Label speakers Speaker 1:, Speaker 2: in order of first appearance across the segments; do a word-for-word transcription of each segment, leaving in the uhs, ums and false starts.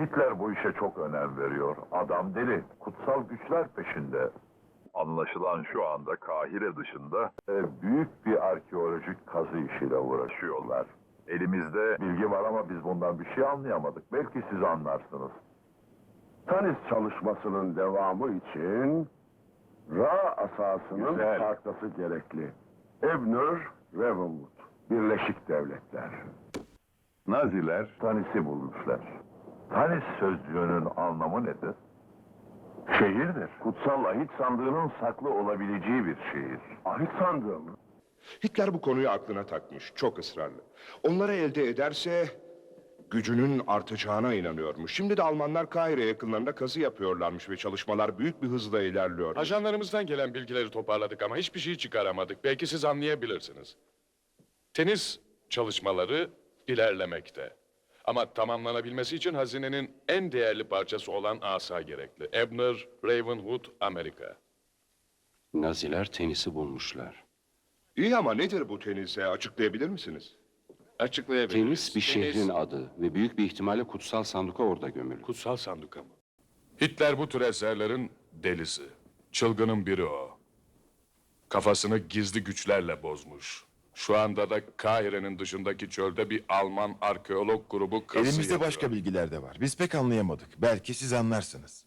Speaker 1: Hitler bu işe çok önem veriyor. Adam deli, kutsal güçler peşinde. Anlaşılan şu anda Kahire dışında e, büyük bir arkeolojik kazı işiyle uğraşıyorlar. Elimizde bilgi var ama biz bundan bir şey anlayamadık. Belki siz anlarsınız.
Speaker 2: Tanis çalışmasının devamı için Ra asasının
Speaker 1: Güzel.
Speaker 2: farklısı gerekli. Ebner, Ravenwood, Birleşik Devletler.
Speaker 1: Naziler Tanis'i bulmuşlar. Tanis sözcüğünün anlamı nedir? Şehirdir. Kutsal ahit sandığının saklı olabileceği bir şehir.
Speaker 2: Ahit sandığı mı?
Speaker 3: Hitler bu konuyu aklına takmış, çok ısrarlı. Onları elde ederse gücünün artacağına inanıyormuş. Şimdi de Almanlar Kahire yakınlarında kazı yapıyorlarmış ve çalışmalar büyük bir hızla ilerliyor.
Speaker 4: Ajanlarımızdan gelen bilgileri toparladık ama hiçbir şey çıkaramadık. Belki siz anlayabilirsiniz. Tenis çalışmaları ilerlemekte. Ama tamamlanabilmesi için hazinenin en değerli parçası olan asa gerekli. Ebner, Ravenwood, Amerika.
Speaker 5: Naziler tenisi bulmuşlar.
Speaker 3: İyi ama nedir bu tenise, açıklayabilir misiniz?
Speaker 4: Açıklayabiliriz.
Speaker 5: Tenis bir şehrin adı ve büyük bir ihtimalle kutsal sanduka orada gömülü.
Speaker 4: Kutsal sanduka mı? Hitler bu tür eserlerin delisi. Çılgının biri o. Kafasını gizli güçlerle bozmuş. Şu anda da Kahire'nin dışındaki çölde bir Alman arkeolog grubu kazı
Speaker 6: Elimizde
Speaker 4: yapıyor.
Speaker 6: başka bilgiler de var. Biz pek anlayamadık. Belki siz anlarsınız.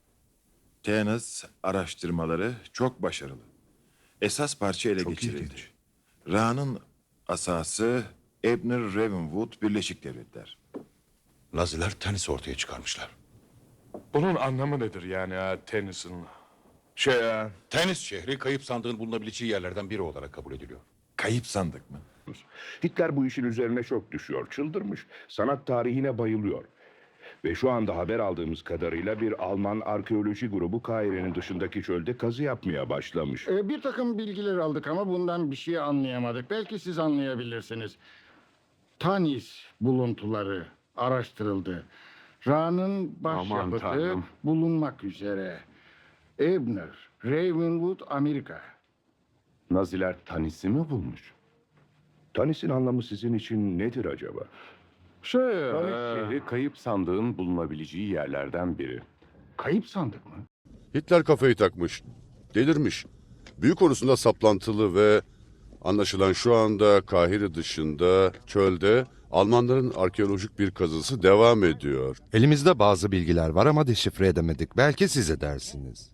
Speaker 6: Tenis araştırmaları çok başarılı. Esas parça ele
Speaker 3: Çok
Speaker 6: geçirildi.
Speaker 3: ilginç.
Speaker 6: Ra'nın asası Ebner Ravenwood Birleşik Devletler.
Speaker 7: Naziler tenis ortaya çıkarmışlar.
Speaker 4: Bunun anlamı nedir yani ha, tenisin?
Speaker 3: Şey, e,
Speaker 7: Tenis şehri kayıp sandığın bulunabileceği yerlerden biri olarak kabul ediliyor.
Speaker 6: Kayıp sandık mı?
Speaker 3: Hitler bu işin üzerine çok düşüyor, çıldırmış. Sanat tarihine bayılıyor. Ve şu anda haber aldığımız kadarıyla bir Alman arkeoloji grubu Kahire'nin dışındaki çölde kazı yapmaya başlamış.
Speaker 8: Ee, Bir takım bilgiler aldık ama bundan bir şey anlayamadık. Belki siz anlayabilirsiniz. Tanis buluntuları araştırıldı. Ra'nın başyapıtı
Speaker 5: Tanrım.
Speaker 8: bulunmak üzere. Ebner, Ravenwood, Amerika.
Speaker 3: Naziler Tanis'i mi bulmuş? Tanis'in anlamı sizin için nedir acaba?
Speaker 8: Şey,
Speaker 3: Tanis
Speaker 8: e,
Speaker 3: şehri kayıp sandığın bulunabileceği yerlerden biri.
Speaker 8: kayıp sandık mı?
Speaker 9: Hitler kafayı takmış, delirmiş. Büyü konusunda saplantılı ve anlaşılan şu anda Kahire dışında çölde Almanların arkeolojik bir kazısı devam ediyor.
Speaker 10: Elimizde bazı bilgiler var ama deşifre edemedik. Belki siz edersiniz.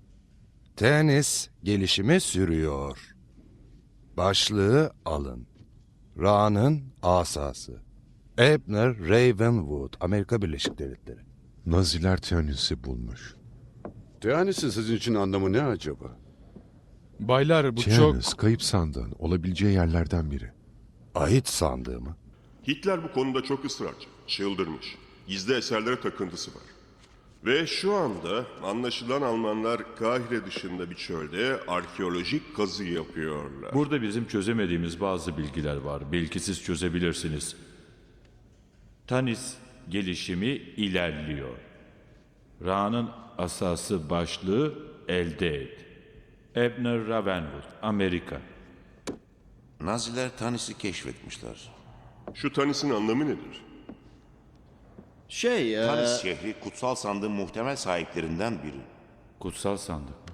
Speaker 10: Tenis gelişimi sürüyor. Başlığı alın. Ra'nın asası. Ebner Ravenwood, Amerika Birleşik Devletleri.
Speaker 7: Naziler tenis'i bulmuş.
Speaker 9: Teanis'in sizin için anlamı ne acaba?
Speaker 4: Baylar bu
Speaker 7: Tenis kayıp sandığın olabileceği yerlerden biri.
Speaker 10: Ahit sandığı mı?
Speaker 11: Hitler bu konuda çok ısrarcı, çıldırmış. Gizli eserlere takıntısı var. Ve şu anda anlaşılan Almanlar Kahire dışında bir çölde arkeolojik kazı yapıyorlar.
Speaker 12: Burada bizim çözemediğimiz bazı bilgiler var. Belki siz çözebilirsiniz. Tanis gelişimi ilerliyor. Ra'nın asası başlığı elde et. Ebner Ravenwood, Amerika.
Speaker 7: Naziler Tanis'i keşfetmişler.
Speaker 11: Şu Tanis'in anlamı nedir?
Speaker 8: Şey, e,
Speaker 7: Tanis şehri kutsal sandığın muhtemel sahiplerinden biri.
Speaker 12: Kutsal sandık.